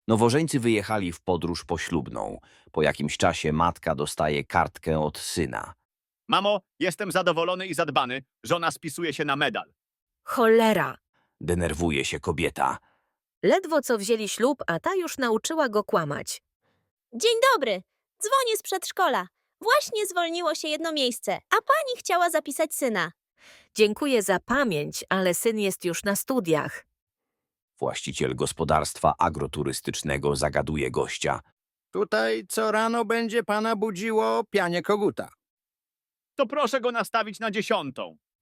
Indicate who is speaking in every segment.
Speaker 1: Nowożeńcy wyjechali w podróż poślubną. Po jakimś czasie matka dostaje kartkę od syna.
Speaker 2: Mamo, jestem zadowolony i zadbany. Żona spisuje się na medal.
Speaker 3: Cholera!
Speaker 1: Denerwuje się kobieta.
Speaker 3: Ledwo co wzięli ślub, a ta już nauczyła go kłamać.
Speaker 4: Dzień dobry. Dzwonię z przedszkola. Właśnie zwolniło się jedno miejsce, a pani chciała zapisać syna.
Speaker 3: Dziękuję za pamięć, ale syn jest już na studiach.
Speaker 1: Właściciel gospodarstwa agroturystycznego zagaduje gościa.
Speaker 5: Tutaj co rano będzie pana budziło pianie koguta.
Speaker 2: To proszę go nastawić na 10.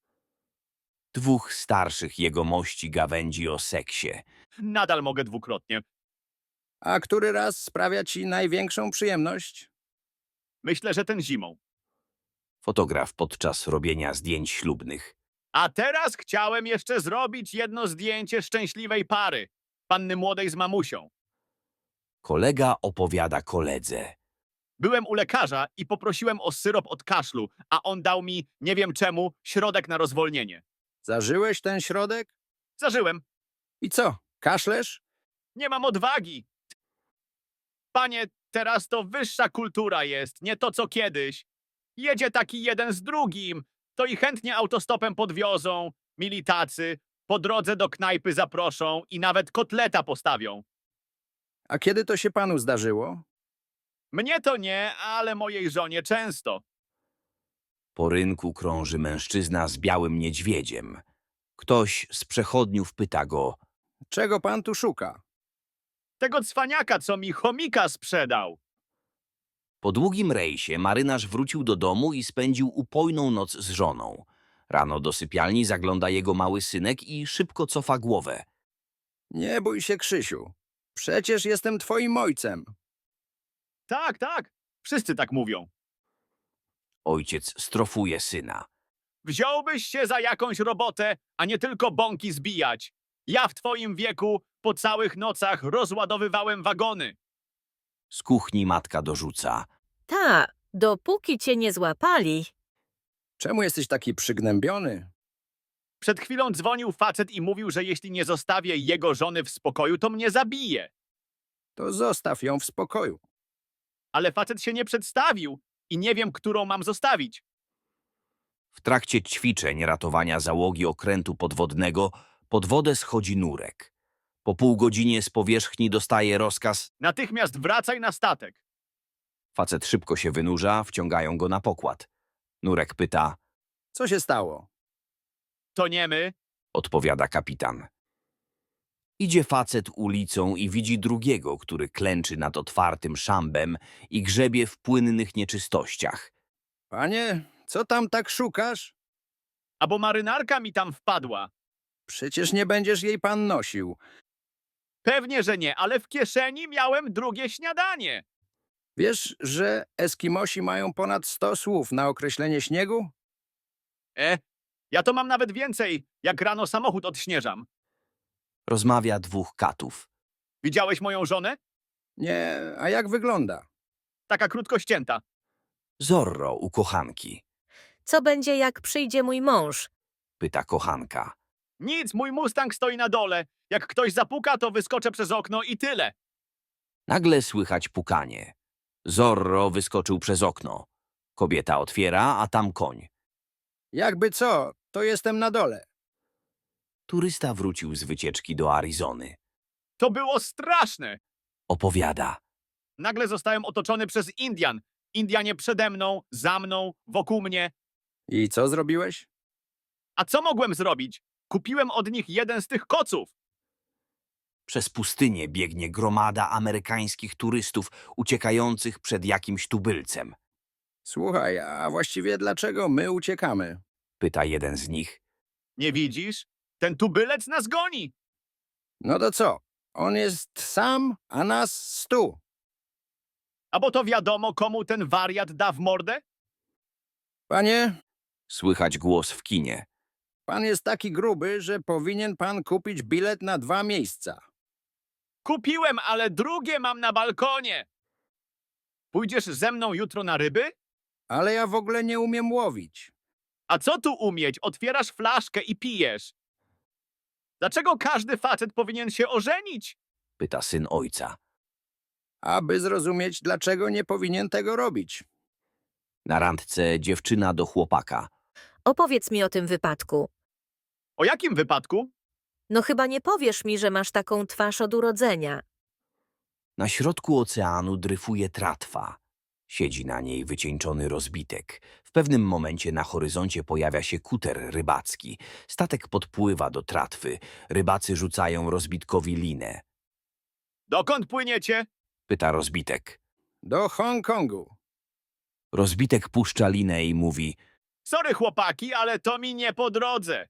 Speaker 1: Dwóch starszych jegomości gawędzi o seksie.
Speaker 2: Nadal mogę dwukrotnie.
Speaker 5: A który raz sprawia ci największą przyjemność?
Speaker 2: Myślę, że ten zimą.
Speaker 1: Fotograf podczas robienia zdjęć ślubnych.
Speaker 2: A teraz chciałem jeszcze zrobić jedno zdjęcie szczęśliwej pary. Panny młodej z mamusią.
Speaker 1: Kolega opowiada koledze.
Speaker 2: Byłem u lekarza i poprosiłem o syrop od kaszlu, a on dał mi, nie wiem czemu, środek na rozwolnienie.
Speaker 5: Zażyłeś ten środek?
Speaker 2: Zażyłem.
Speaker 5: I co, kaszlesz?
Speaker 2: Nie mam odwagi. Panie, teraz to wyższa kultura jest, nie to co kiedyś. Jedzie taki jeden z drugim, to i chętnie autostopem podwiozą, mili tacy, po drodze do knajpy zaproszą i nawet kotleta postawią.
Speaker 5: A kiedy to się panu zdarzyło?
Speaker 2: Mnie to nie, ale mojej żonie często.
Speaker 1: Po rynku krąży mężczyzna z białym niedźwiedziem. Ktoś z przechodniów pyta go.
Speaker 5: Czego pan tu szuka?
Speaker 2: Tego cwaniaka, co mi chomika sprzedał.
Speaker 1: Po długim rejsie marynarz wrócił do domu i spędził upojną noc z żoną. Rano do sypialni zagląda jego mały synek i szybko cofa głowę.
Speaker 5: Nie bój się, Krzysiu. Przecież jestem twoim ojcem.
Speaker 2: Tak, tak, wszyscy tak mówią.
Speaker 1: Ojciec strofuje syna.
Speaker 2: Wziąłbyś się za jakąś robotę, a nie tylko bąki zbijać. Ja w twoim wieku po całych nocach rozładowywałem wagony.
Speaker 1: Z kuchni matka dorzuca.
Speaker 3: Ta, dopóki cię nie złapali.
Speaker 5: Czemu jesteś taki przygnębiony?
Speaker 2: Przed chwilą dzwonił facet i mówił, że jeśli nie zostawię jego żony w spokoju, to mnie zabije.
Speaker 5: To zostaw ją w spokoju.
Speaker 2: Ale facet się nie przedstawił i nie wiem, którą mam zostawić.
Speaker 1: W trakcie ćwiczeń ratowania załogi okrętu podwodnego pod wodę schodzi nurek. Po pół godzinie z powierzchni dostaje rozkaz.
Speaker 2: Natychmiast wracaj na statek.
Speaker 1: Facet szybko się wynurza, wciągają go na pokład. Nurek pyta.
Speaker 5: Co się stało?
Speaker 2: To nie my.
Speaker 1: Odpowiada kapitan. Idzie facet ulicą i widzi drugiego, który klęczy nad otwartym szambem i grzebie w płynnych nieczystościach.
Speaker 5: Panie, co tam tak szukasz?
Speaker 2: Albo marynarka mi tam wpadła.
Speaker 5: Przecież nie będziesz jej pan nosił.
Speaker 2: Pewnie, że nie, ale w kieszeni miałem drugie śniadanie.
Speaker 5: Wiesz, że Eskimosi mają ponad 100 słów na określenie śniegu?
Speaker 2: Ja to mam nawet więcej, jak rano samochód odśnieżam.
Speaker 1: Rozmawia dwóch katów.
Speaker 2: Widziałeś moją żonę?
Speaker 5: Nie, a jak wygląda?
Speaker 2: Taka krótko ścięta.
Speaker 1: Zorro u kochanki.
Speaker 3: Co będzie, jak przyjdzie mój mąż?
Speaker 1: Pyta kochanka.
Speaker 2: Nic, mój Mustang stoi na dole. Jak ktoś zapuka, to wyskoczę przez okno i tyle.
Speaker 1: Nagle słychać pukanie. Zorro wyskoczył przez okno. Kobieta otwiera, a tam koń.
Speaker 5: Jakby co, to jestem na dole.
Speaker 1: Turysta wrócił z wycieczki do Arizony.
Speaker 2: To było straszne.
Speaker 1: Opowiada.
Speaker 2: Nagle zostałem otoczony przez Indian. Indianie przede mną, za mną, wokół mnie.
Speaker 5: I co zrobiłeś?
Speaker 2: A co mogłem zrobić? Kupiłem od nich jeden z tych koców.
Speaker 1: Przez pustynię biegnie gromada amerykańskich turystów uciekających przed jakimś tubylcem.
Speaker 5: Słuchaj, a właściwie dlaczego my uciekamy?
Speaker 1: Pyta jeden z nich.
Speaker 2: Nie widzisz? Ten tubylec nas goni.
Speaker 5: No to co? On jest sam, a nas 100.
Speaker 2: A bo to wiadomo, komu ten wariat da w mordę?
Speaker 5: Panie,
Speaker 1: Słychać głos w kinie.
Speaker 5: pan jest taki gruby, że powinien pan kupić bilet na 2 miejsca.
Speaker 2: Kupiłem, ale drugie mam na balkonie. Pójdziesz ze mną jutro na ryby?
Speaker 5: Ale ja w ogóle nie umiem łowić.
Speaker 2: A co tu umieć? Otwierasz flaszkę i pijesz. Dlaczego każdy facet powinien się ożenić?
Speaker 1: Pyta syn ojca.
Speaker 5: aby zrozumieć, dlaczego nie powinien tego robić.
Speaker 1: Na randce dziewczyna do chłopaka.
Speaker 3: Opowiedz mi o tym wypadku.
Speaker 2: O jakim wypadku?
Speaker 3: No chyba nie powiesz mi, że masz taką twarz od urodzenia.
Speaker 1: Na środku oceanu dryfuje tratwa. Siedzi na niej wycieńczony rozbitek. W pewnym momencie na horyzoncie pojawia się kuter rybacki. Statek podpływa do tratwy. Rybacy rzucają rozbitkowi linę.
Speaker 2: Dokąd płyniecie?
Speaker 1: Pyta rozbitek.
Speaker 5: Do Hongkongu.
Speaker 1: Rozbitek puszcza linę i mówi:
Speaker 2: Sorry chłopaki, ale to mi nie po drodze.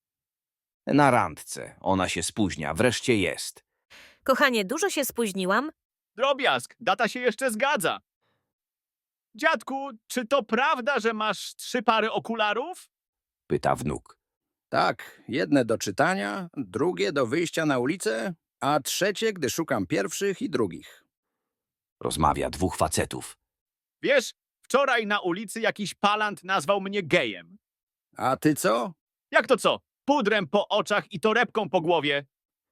Speaker 1: na randce. Ona się spóźnia. Wreszcie jest.
Speaker 3: Kochanie, dużo się spóźniłam?
Speaker 2: Drobiazg, data się jeszcze zgadza. Dziadku, czy to prawda, że masz 3 pary okularów?
Speaker 1: Pyta wnuk.
Speaker 5: Tak, jedne do czytania, drugie do wyjścia na ulicę, a trzecie, gdy szukam pierwszych i drugich.
Speaker 1: Rozmawia dwóch facetów.
Speaker 2: Wiesz, wczoraj na ulicy jakiś palant nazwał mnie gejem.
Speaker 5: A ty co?
Speaker 2: Jak to co? Pudrem po oczach i torebką po głowie.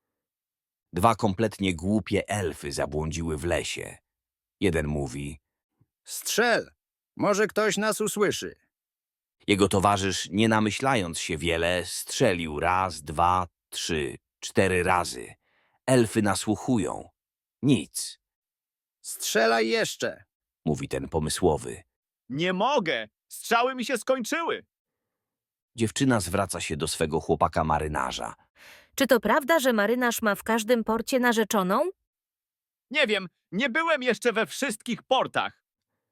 Speaker 1: Dwa kompletnie głupie elfy zabłądziły w lesie. Jeden mówi.
Speaker 5: Strzel! Może ktoś nas usłyszy.
Speaker 1: Jego towarzysz, nie namyślając się wiele, strzelił raz, 2, 3, 4 razy. Elfy nasłuchują. Nic,
Speaker 5: Strzelaj jeszcze!
Speaker 1: mówi ten pomysłowy.
Speaker 2: Nie mogę! Strzały mi się skończyły.
Speaker 1: Dziewczyna zwraca się do swego chłopaka marynarza.
Speaker 3: Czy to prawda, że marynarz ma w każdym porcie narzeczoną?
Speaker 2: Nie wiem, nie byłem jeszcze we wszystkich portach.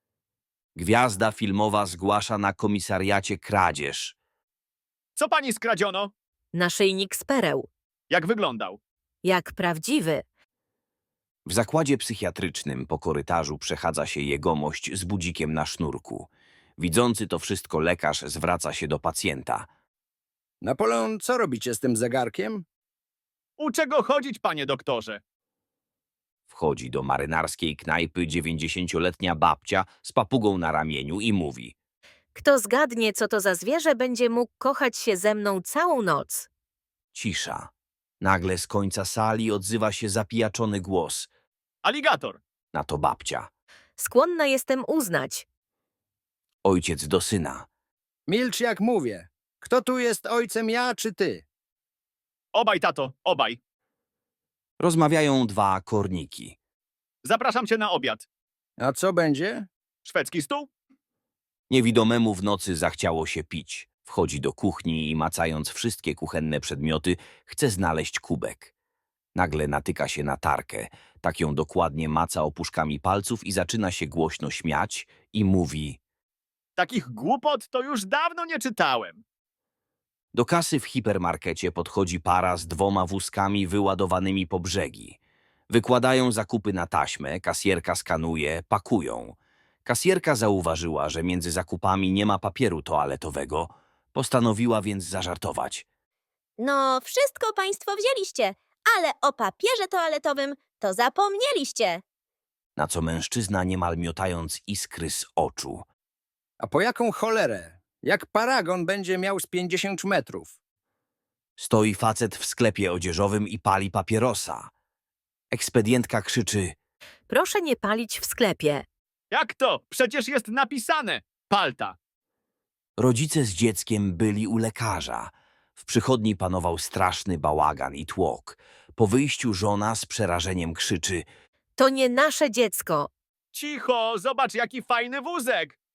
Speaker 1: Gwiazda filmowa zgłasza na komisariacie kradzież.
Speaker 2: Co pani skradziono?
Speaker 3: Naszyjnik z pereł.
Speaker 2: Jak wyglądał?
Speaker 3: Jak prawdziwy.
Speaker 1: W zakładzie psychiatrycznym po korytarzu przechadza się jegomość z budzikiem na sznurku. Widzący to wszystko lekarz zwraca się do pacjenta.
Speaker 5: Napoleon, co robicie z tym zegarkiem?
Speaker 2: Uczę go chodzić, panie doktorze.
Speaker 1: Wchodzi do marynarskiej knajpy 90-letnia babcia z papugą na ramieniu i mówi.
Speaker 3: Kto zgadnie, co to za zwierzę, będzie mógł kochać się ze mną całą noc.
Speaker 1: Cisza. Nagle z końca sali odzywa się zapijaczony głos.
Speaker 2: Aligator.
Speaker 1: Na to babcia.
Speaker 3: Skłonna jestem uznać.
Speaker 1: Ojciec do syna.
Speaker 5: Milcz jak mówię. Kto tu jest ojcem, ja czy ty?
Speaker 2: Obaj, tato, obaj.
Speaker 1: Rozmawiają dwa korniki.
Speaker 2: Zapraszam cię na obiad.
Speaker 5: A co będzie?
Speaker 2: Szwedzki stół?
Speaker 1: Niewidomemu w nocy zachciało się pić. Wchodzi do kuchni i macając wszystkie kuchenne przedmioty, chce znaleźć kubek. Nagle natyka się na tarkę. Tak ją dokładnie maca opuszkami palców i zaczyna się głośno śmiać i mówi.
Speaker 2: Takich głupot to już dawno nie czytałem.
Speaker 1: Do kasy w hipermarkecie podchodzi para z 2 wózkami wyładowanymi po brzegi. Wykładają zakupy na taśmę, kasjerka skanuje, pakują. Kasjerka zauważyła, że między zakupami nie ma papieru toaletowego. Postanowiła więc zażartować.
Speaker 4: No, wszystko państwo wzięliście, ale o papierze toaletowym to zapomnieliście.
Speaker 1: Na co mężczyzna niemal miotając iskry z oczu.
Speaker 5: A po jaką cholerę? Jak paragon będzie miał z 50 metrów?
Speaker 1: Stoi facet w sklepie odzieżowym i pali papierosa. Ekspedientka krzyczy.
Speaker 3: Proszę nie palić w sklepie.
Speaker 2: Jak to? Przecież jest napisane. Palta.
Speaker 1: Rodzice z dzieckiem byli u lekarza. W przychodni panował straszny bałagan i tłok. Po wyjściu żona z przerażeniem krzyczy.
Speaker 3: To nie nasze dziecko.
Speaker 2: Cicho, zobacz jaki fajny wózek.